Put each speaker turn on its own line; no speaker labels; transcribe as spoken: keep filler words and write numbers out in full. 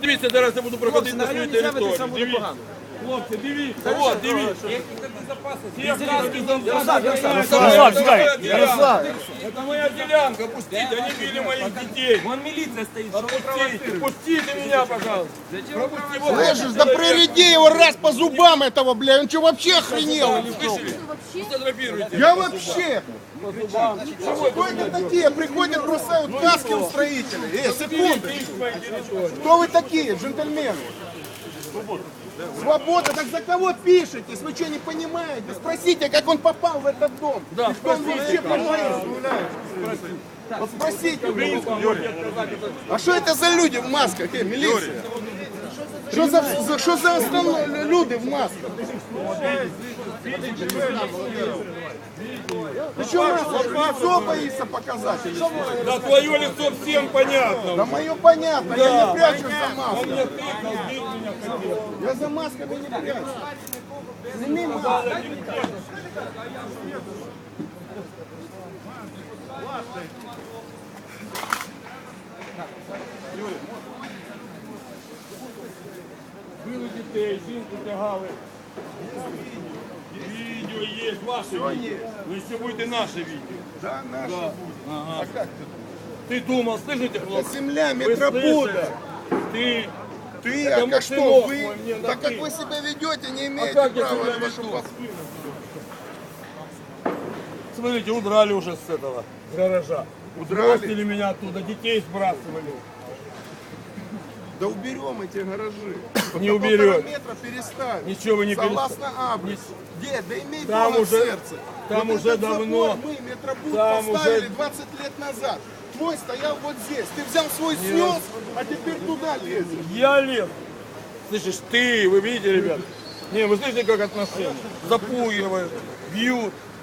дивіться, зараз я буду проходити на свою територію.
Це буде
Дивіться.
погано.
Хлопці, дивіться, от, дивіться.
Ярослав, сюда.
Ярослав. Это моя делянка, пустите, они били моих детей.
Вон милиция стоит.
Пустите, пустите меня, пожалуйста. Пропусти его.
Слышишь, да приреди его раз по зубам этого, бля, он что, вообще охренел? или что?
Слышали? Сфотографируйте.
Я вообще. Кто это такие? Приходят, бросают каски у строителей. Эй, секунду. Кто вы такие, джентльмены? Свобода, так за кого пишетесь? Вы что, не понимаете? Спросите, как он попал в этот дом.
Да,
И что он вообще понимает? Вот спросите. А что это за люди в масках? Э, милиция? Что за, за, что за основные люди в масках? Ты что маску? Лицо боишься показать? или что?
Да твое лицо всем понятно.
Да мое понятно, я не прячусь за
Он
маской.
мне тыкал, бил меня хотел.
Я за масками не прячусь. Сними маску.
Били дітей, жінку тягали. Відео є, ваше відео. Ви ще будете наше відео.
Да, наша будет.
Ага.
А как ты?
Ти думав, слышите, хлопці?
Земля
Ви
метробуда.
слышите? Ти,
Ты,
Это
а как что,
мой
вы,
мой, мне на
так как
ты.
вы себя ведете, не
а
имеете
как я
права
себя
на вашу
веду?
посту.
Смотрите, удрали уже с этого, с гаража.
Удрали?
Бросили меня оттуда, детей сбрасывали.
Да уберем эти гаражи.
Не
На
уберете.
полтора метра переставим.
Ничего вы не
Согласно адресу. Дед, да имей
Там
Бога в
уже-
сердце.
там
Вот
уже
этот
давно-
забор мы, метробуд,
там
поставили
уже-
двадцать лет назад. Твой стоял вот здесь. Ты взял свой снес, а теперь туда лезешь.
Я лев. Слышишь, ты, вы видите, ребят? Не, вы слышите, как отношения? Запугивают, бьют.